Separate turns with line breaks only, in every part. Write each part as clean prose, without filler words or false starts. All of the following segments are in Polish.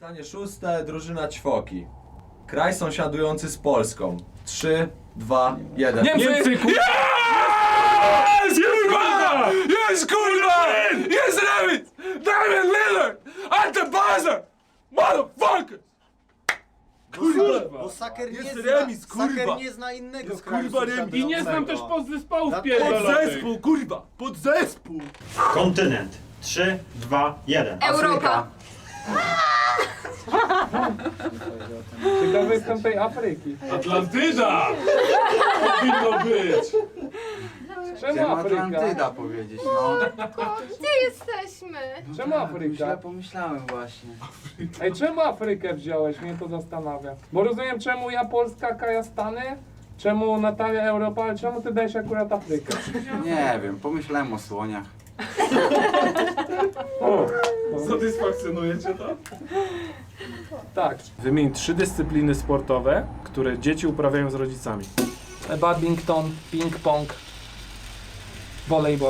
Pytanie szóste, drużyna Ćwoki. Kraj sąsiadujący z Polską. 3, 2, 1.
Niemcy!
Jest, kurwa! Jest, kurwa! Jest Lewit! Damian Lillard! At the buzzer! Motherfucker! Kurwa!
Bo Saker nie
Jest
zna,
remis, kurwa.
Saker nie zna innego
Jest,
kraju
kurwa, remis.
sąsiadującego.
I nie znam też
podzespołów
Podzespół, kurwa! Podzespół!
Kontynent. 3, 2, 1.
Europa.
Ciekawy jestem tej Afryki.
Atlantyda! Powinno być!
Czemu Afryka?
Atlantyda powiedzieć, no.
Gdzie jesteśmy?
Czemu Afryka?
Źle pomyślałem właśnie.
Ej, czemu Afrykę wziąłeś? Mnie to zastanawia. Bo rozumiem, czemu ja Polska, Kaja Stany, czemu Natalia Europa, ale czemu ty dajesz akurat Afrykę?
Nie wiem, pomyślałem o słoniach.
Satysfakcjonuje cię to?
Tak.
Wymień 3 dyscypliny sportowe, które dzieci uprawiają z rodzicami.
Badminton, ping-pong, volejbol.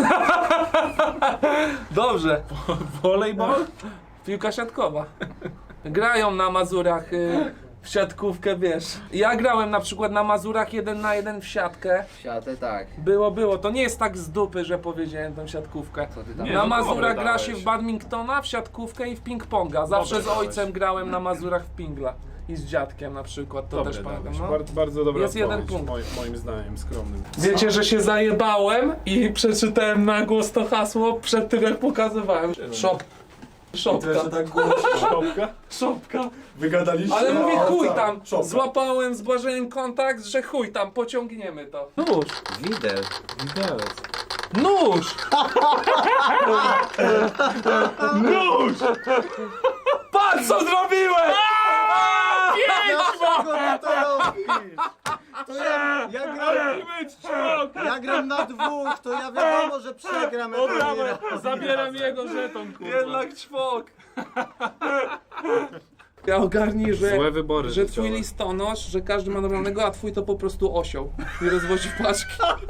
Dobrze.
Volejbol?
Piłka siatkowa. Grają na Mazurach w siatkówkę, wiesz. Ja grałem na przykład na Mazurach 1 na 1 w siatkę.
Siatę tak.
Było. To nie jest tak z dupy, że powiedziałem tą siatkówkę.
Co ty tam?
Nie,
Na
no
Mazurach
dobre
gra się
dałeś.
w badmintona, w siatkówkę i w ping-ponga. Zawsze
Dobre
z ojcem
dałeś.
grałem na Mazurach w pingla. I z dziadkiem na przykład, to też pamiętam. No.
Bardzo dobra
Jest jeden
odpowiedź,
punkt.
moim zdaniem skromnym.
Wiecie, że się zajebałem i przeczytałem na głos to hasło przed tym, jak pokazywałem. Szopka.
tak głośno.
Szopka?
Szopka.
Wygadaliście?
Ale mówię, chuj tam,
Szopka.
złapałem z Błażejem kontakt, że chuj tam, pociągniemy to. Nóż.
Widel.
Widelec.
Nóż! Nóż! Patrz co zrobiłem!
Dlaczego ty to robisz? To ja gram na dwóch, to ja wiadomo, że przegram.
Zabieram jego żeton, kurwa.
Jednak czwok. Ja ogarnij, że,
Złe wybory
że twój
życiowe.
listonosz, że każdy ma normalnego, a twój to po prostu osioł i rozwozi paczki.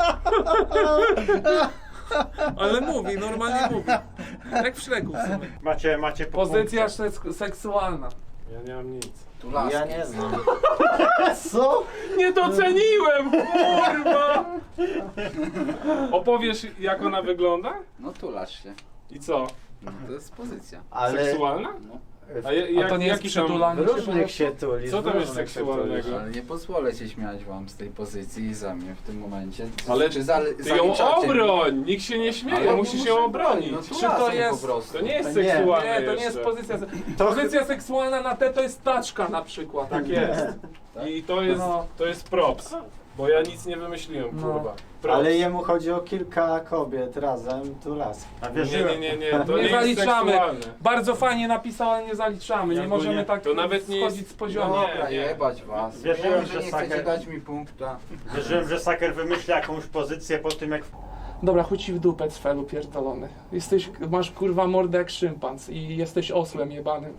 Ale mówi, normalnie mówi. Jak w Szreku w sumie.
Macie po
Pozycja
punkcie.
seksualna.
Ja nie mam nic.
Ja nie znam. Co?
Nie doceniłem, kurwa! Opowiesz, jak ona wygląda?
No tulasz się.
I co?
No, to jest pozycja.
Seksualna?
No.
A to nie jest
jaki tam...
przytulanie się?
Różnych się tuli.
Co tam jest seksualnego?
Ale nie pozwolę się śmiać wam z tej pozycji i za mnie w tym momencie.
Ale
Czy
ty ją
zaliczacie mi?
obroń! Nikt się nie śmieje,
Ale
musisz
muszę
ją
bronić.
obronić.
No
Czy to
tulasem
jest-
po prostu.
To nie jest
To nie.
seksualne
Nie, to nie jest
jeszcze.
pozycja. Pozycja seksualna na te to jest taczka na przykład.
Tak jest. I to jest props. Bo ja nic nie wymyśliłem,
No.
kurwa. Props.
Ale jemu chodzi o kilka kobiet razem, tu las.
A
Nie,
wierzyłem.
to
Nie
nie jest
zaliczamy.
seksualne.
Bardzo fajnie napisał, ale nie zaliczamy. Nie
Ja
możemy
nie-
tak
to nawet nie
schodzić
jest-
z poziomu.
No
Dobra,
nie.
jebać was.
Wierzyłem,
Wiem,
że
że nie chcecie
Saker-
dać mi punkta.
Wierzyłem, że Saker wymyśli jakąś pozycję po tym, jak
Dobra, chuj ci w dupę, cfelu pierdolony. Masz kurwa mordę jak szympans i jesteś osłem jebanym.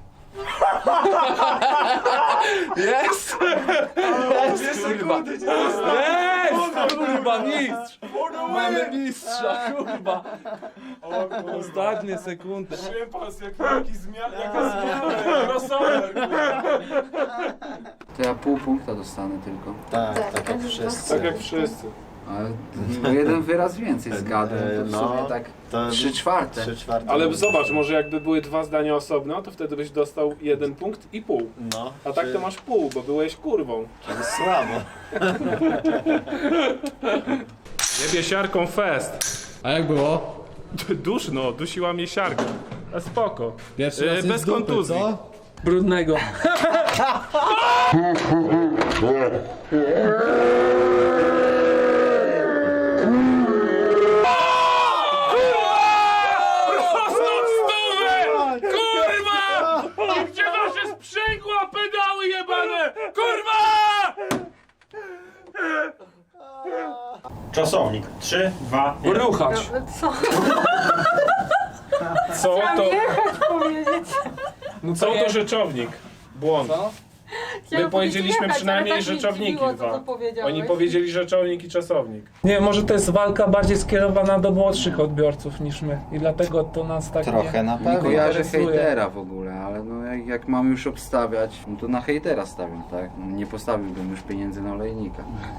Jest! Jest, kurwa! Jest! Kurwa, mistrz! Mamy mistrza, kurwa! Ostatnie sekundy.
Szympans, jaka zmiana, crossover, kurwa.
To ja pół punkta dostanę tylko.
Tak jak wszyscy.
Tak jak wszyscy.
Ale o jeden wyraz więcej zgadłem. To w
No,
sumie tak
to
3/4.
3/4.
Ale zobacz, może jakby były 2 zdania osobno, to wtedy byś dostał 1 punkt i pół.
No,
A tak to masz pół, bo byłeś kurwą.
słabo.
Jebie siarką fest.
A jak było?
Duszno, dusiła mnie siarka. A spoko.
Pierwszy raz
Bez
jest z dupy,
kontuzji.
co?
Brudnego.
Kurwa! Gdzie wasze sprzęgła, pedały jebane? Kurwa!
czasownik. 3, 2, 1.
Ruchać.
Co?
Co to,
Jechać powiedzieć.
No
co to rzeczownik? Błąd.
Co?
My powiedzieliśmy przynajmniej rzeczowniki dwa. Oni powiedzieli rzeczownik i czasownik.
Nie, może to jest walka bardziej skierowana do młodszych odbiorców niż my. I dlatego to nas tak
Trochę na pewno. Kojarzę
interesuje.
hejtera w ogóle, ale no jak mam już obstawiać, no to na hejtera stawiam, tak? No, nie postawiłbym już pieniędzy na olejnika.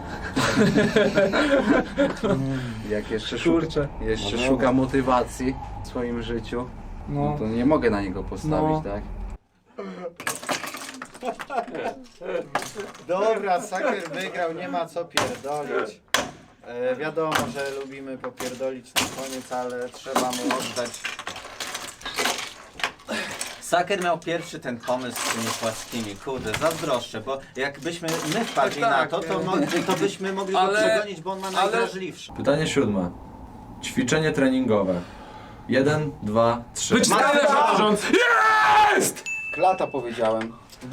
Jak jeszcze
Kurczę.
szuka motywacji w swoim życiu, no to nie mogę na niego postawić,
No.
tak?
Dobra, Saker wygrał, nie ma co pierdolić. Wiadomo, że lubimy popierdolić na koniec, ale trzeba mu oddać.
Saker miał pierwszy ten pomysł z tymi płaskimi, kurde, zazdroszczę, bo jakbyśmy my wpadli na to, to byśmy mogli go
Ale-
przegonić, bo on ma najwrażliwszy.
Pytanie 7. Ćwiczenie treningowe. 1, 2, 3.
Wyczytane rząd! Jest!
Klata powiedziałem.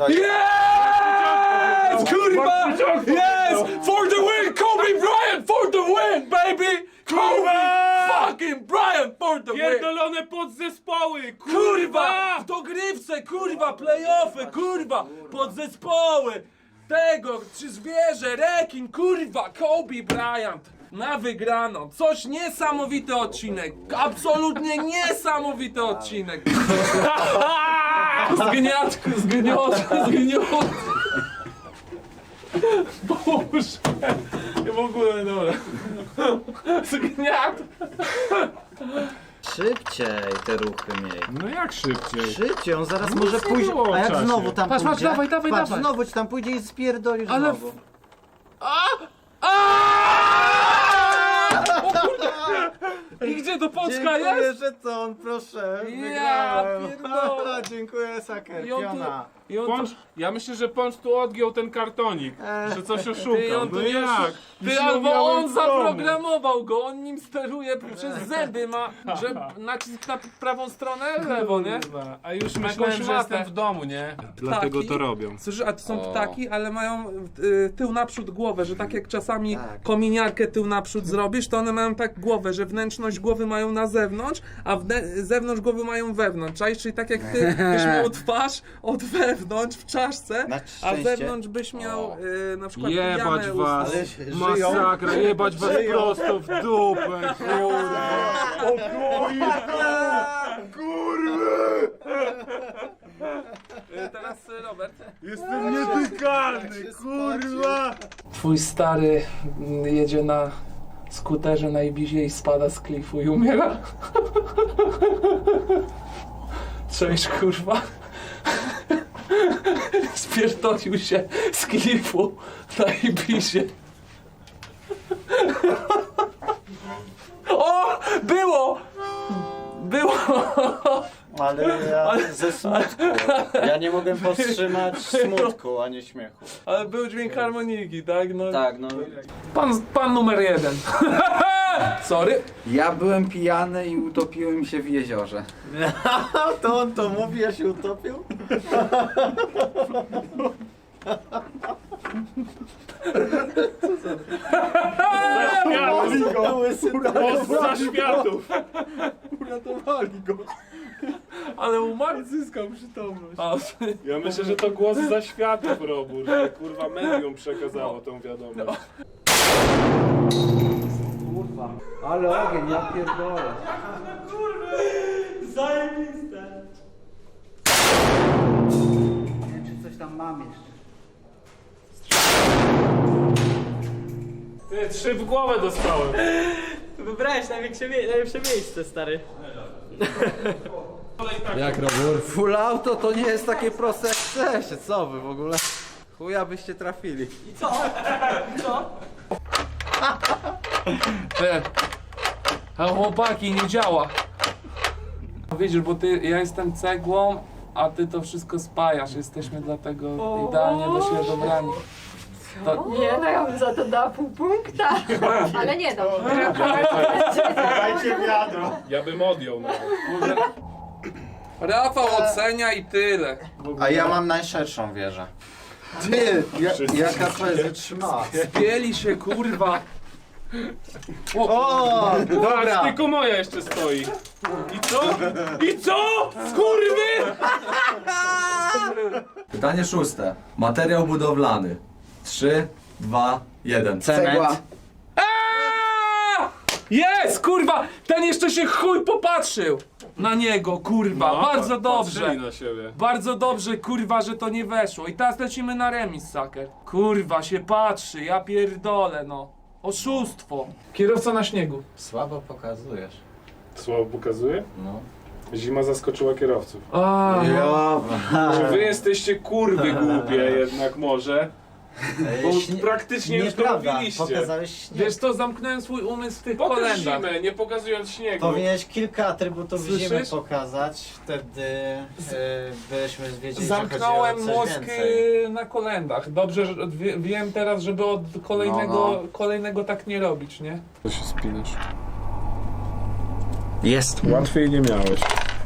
Jest! Kurwa! Yes! For the win! Kobe Bryant for the win, baby! Kobe fucking Bryant for the win!
Pierdolone podzespoły!
Kurwa! W dogrywce, kurwa! Playoffy, kurwa! Podzespoły! Tego, czy zwierzę, rekin, kurwa! Kobe Bryant! Na wygraną. Coś niesamowity odcinek. Absolutnie niesamowity odcinek. Zgniatku, zgniot. Boże. Ja w ogóle, dobra. Zgniat.
Szybciej te ruchy miej.
No jak szybciej?
Szybciej, on zaraz
No
może
nic nie
pójść,
było w
a jak
czasie.
znowu tam
Patrz,
pójdzie,
dawaj,
patrz,
dawaj.
znowu ci tam pójdzie i spierdolisz
Ale
znowu.
O kurde! I gdzie to Polska
Dziękuję,
jest?
że to on, proszę.
Ja
Wygrałem.
pierdolę.
Dziękuję, Saker,
I on tu-
piona.
I on
Pącz, ja myślę, że Pącz tu odgiął ten kartonik, że coś
Ty,
oszukał.
on tu
No
nie
jak?
Ty,
Już
albo
miałem
on
w domu.
zaprogramował go, on nim steruje przez zęby, ma, że nacisk na prawą stronę, lewo, nie?
Kurwa, a już myślałem, że
szmatę.
jestem w domu, nie? Dlatego to robią.
Słyszysz, a to są
O.
ptaki, ale mają tył naprzód głowę, że tak jak czasami
Tak.
kominiarkę tył naprzód zrobisz, to one mają tak głowę, że wnętrzność głowy mają na zewnątrz, a zewnątrz głowy mają wewnątrz, czaisz? Czyli tak jak ty byś miał twarz od wewnątrz w czaszce,
Na
a
szczęście.
zewnątrz byś miał na przykład
Jebać
jamę
was!
Ale
Masakra, jebać was
Żyją.
prosto w dupę, kurwa!
Teraz Robert.
Jestem nietykalny, kurwa!
Twój stary jedzie na skuterze na Ibizie i spada z klifu i umiera. Cześć, kurwa. Spierdolił się z klifu na Ibizie. O! Było! Było!
Ale ja ze smutku. Ja nie mogłem powstrzymać smutku, a nie śmiechu.
Ale był dźwięk harmoniki, tak? No.
Tak, no.
Pan numer 1. Sorry.
Ja byłem pijany i utopiłem się w jeziorze.
To on to mówi, ja się utopił?
Za światów!
Uratowali go.
Ale umarł, zyskał przytomność. A,
Ja myślę, że to głos za światów, Robur, że kurwa medium przekazało tą wiadomość.
Ale ogień, ja pierdolę. Nie wiem, czy coś tam mam jeszcze.
Ty, 3 w głowę dostałem.
Wybrałeś najlepsze miejsce, stary.
Full auto to nie jest takie proste jak chcecie, co wy w ogóle? Chuja byście trafili.
Te. A chłopaki, nie działa. Widzisz, bo ja jestem cegłą, a ty to wszystko spajasz. Jesteśmy dlatego idealnie do siebie dobrani. To,
Nie, no ja bym za to dała pół punkta. Ale nie dam.
Dajcie wiadro.
Ja bym odjął nawet.
Rafał ocenia i tyle.
A ja mam najszerszą wieżę. Ty, jaka to jest wytrzymała.
Spieli się, kurwa.
O, dobra.
Tylko moja jeszcze stoi. I co? I co? Skurwy!
Pytanie 6. Materiał budowlany. 3, 2, 1.
Cegła.
Jest, kurwa! Ten jeszcze się chuj popatrzył na niego, kurwa. Bardzo dobrze.
Patrzyli na siebie.
Bardzo dobrze, kurwa, że to nie weszło. I teraz lecimy na remis, saker. Kurwa, się patrzy, ja pierdolę, no. Oszustwo. Kierowca na śniegu.
Słabo pokazujesz.
Słabo pokazuje?
No.
Zima zaskoczyła kierowców.
A,
Że wy jesteście kurwy głupie jednak może. Bo praktycznie już to
Nieprawda,
mówiliście.
pokazałeś śnieg.
wiesz to zamknąłem swój umysł w tych
Pokaż
kolendach.
zimę, nie pokazując śniegu.
Powinieneś kilka atrybutów
Słyszysz?
zimy pokazać, wtedy byśmy wiedzieli, że
Zamknąłem
chodzi o coś
mózg
więcej.
na kolendach. Dobrze, że wiem teraz, żeby od kolejnego tak nie robić, nie?
To się spinasz.
Jest.
Łatwiej nie miałeś.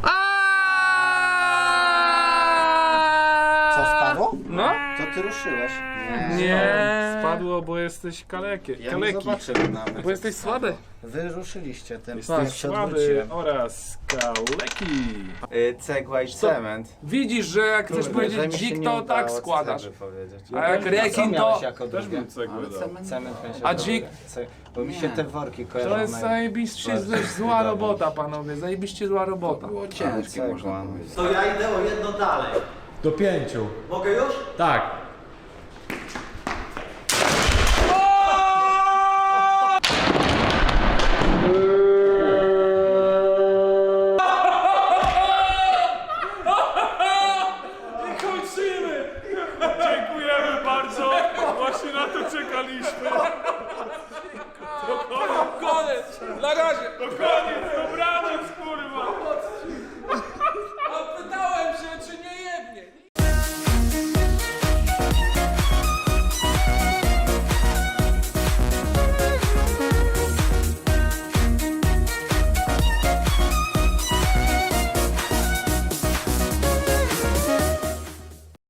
Co, spadło?
No?
To ty ruszyłeś.
Nie.
Spadło, bo jesteś kalekie.
Ja nie
Kaleki.
zobaczyłem nawet.
Bo jesteś słaby.
Wy ruszyliście tym.
Jesteś
jak się
słaby
odwróciłem.
oraz kaleki.
Cegła i cement.
Widzisz, że jak chcesz
Że
powiedzieć
mi się
dzik,
nie
to
udało
tak składasz.
cegły powiedzieć.
A jak
Co
rekin, to...
miałeś jako
Też
drugie?
bym cegłę dał.
Cement będzie
A
dobre.
dzik?
Bo mi się te worki kojarzą.
To jest zajebiście zła robota, panowie. Zajebiście zła robota.
Było ciężkie,
Cegła,
można
no.
powiedzieć.
To ja idę o jedno dalej.
Do 5.
Mogę już?
Tak.
Kończymy! Dziękujemy bardzo! Właśnie na to czekaliśmy.